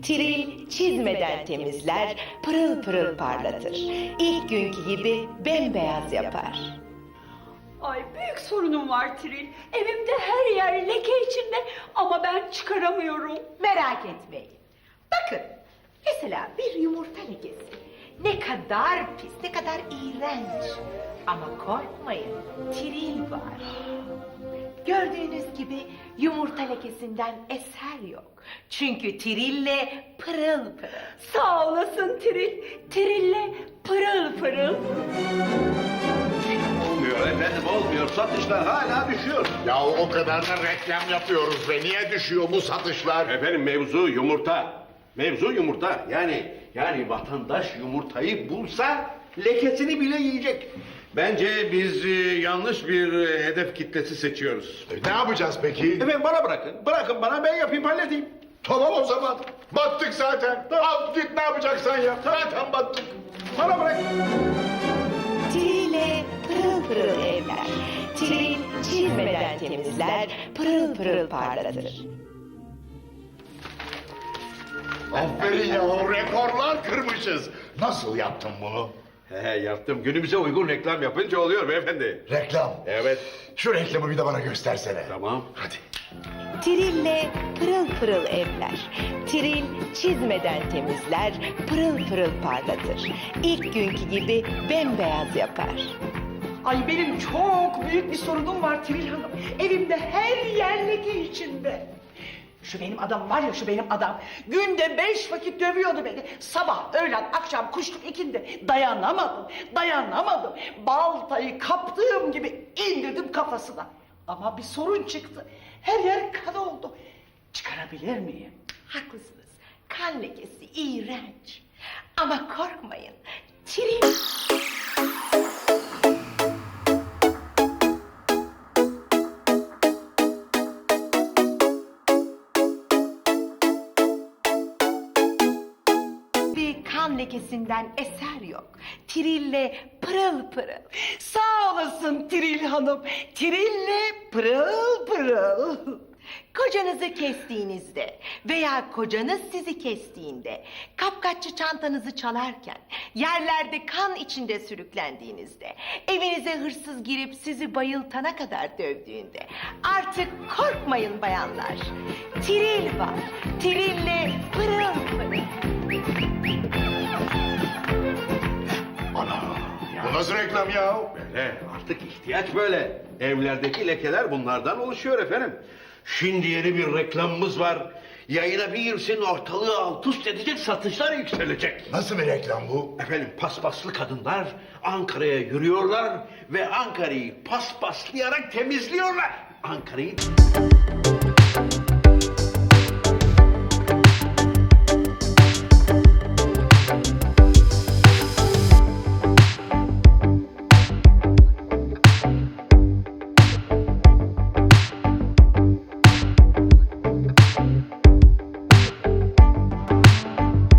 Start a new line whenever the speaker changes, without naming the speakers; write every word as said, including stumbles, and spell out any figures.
Tiril çizmeden temizler, pırıl pırıl parlatır. İlk günkü gibi bembeyaz yapar.
Ay büyük sorunum var Tiril. Evimde her yer leke içinde ama ben çıkaramıyorum.
Merak etmeyin. Bakın, mesela bir yumurta lekesi. Ne kadar pis, ne kadar iğrenç. Ama korkmayın, tiril var. Gördüğünüz gibi yumurta lekesinden eser yok. Çünkü tirille pırıl pırıl.
Sağ olasın Tiril. Tirille pırıl pırıl.
Olmuyor efendim, olmuyor. Satışlar hala düşüyor.
Ya o kadar da reklam yapıyoruz ve niye düşüyor bu satışlar?
Efendim mevzu yumurta. Mevzu yumurta. Yani yani vatandaş yumurtayı bulsa lekesini bile yiyecek. Bence biz e, yanlış bir e, hedef kitlesi seçiyoruz.
E, ne yapacağız peki?
Efendim bana bırakın. Bırakın bana, ben yapayım, halledeyim.
Tamam o zaman. Battık zaten. Al git ne yapacaksan yap. Zaten battık.
Bana bırak.
Tirille pırıl pırıl evler. Tiril çizmeden temizler, pırıl pırıl parlatır.
Aferin ya, rekorlar kırmışız. Nasıl yaptın bunu?
He yaptım. Günümüze uygun reklam yapınca oluyor beyefendi.
Reklam.
Evet.
Şu reklamı bir de bana göstersene.
Tamam.
Hadi.
Tirille pırıl pırıl evler. Tiril çizmeden temizler, pırıl pırıl parlatır. İlk günkü gibi bembeyaz yapar.
Ay benim çok büyük bir sorunum var Tiril Hanım. Evimde her yer leke içinde. Şu benim adam var ya, şu benim adam. Günde beş vakit dövüyordu beni. Sabah, öğlen, akşam, kuşluk ikindi. Dayanamadım, dayanamadım. Baltayı kaptığım gibi indirdim kafasına. Ama bir sorun çıktı. Her yer kan oldu. Çıkarabilir miyim?
Haklısınız. Kan lekesi iğrenç. Ama korkmayın. Tiril... Bir kan lekesinden eser yok. Tirille pırıl pırıl.
Sağ olasın Tiril Hanım. Tirille pırıl pırıl.
Kocanızı kestiğinizde veya kocanız sizi kestiğinde, kapkaççı çantanızı çalarken, yerlerde kan içinde sürüklendiğinizde, evinize hırsız girip sizi bayıltana kadar dövdüğünde, artık korkmayın bayanlar. Tiril var. Tirille pırıl pırıl.
Ana. Bu nasıl reklam ya?
Böyle artık ihtiyaç böyle. Evlerdeki lekeler bunlardan oluşuyor efendim. Şimdi yeni bir reklamımız var. Yayına bir girsin, ortalığı alt üst edecek, satışlar yükselecek.
Nasıl bir reklam bu?
Efendim paspaslı kadınlar Ankara'ya yürüyorlar ve Ankara'yı paspaslayarak temizliyorlar. Ankara'yı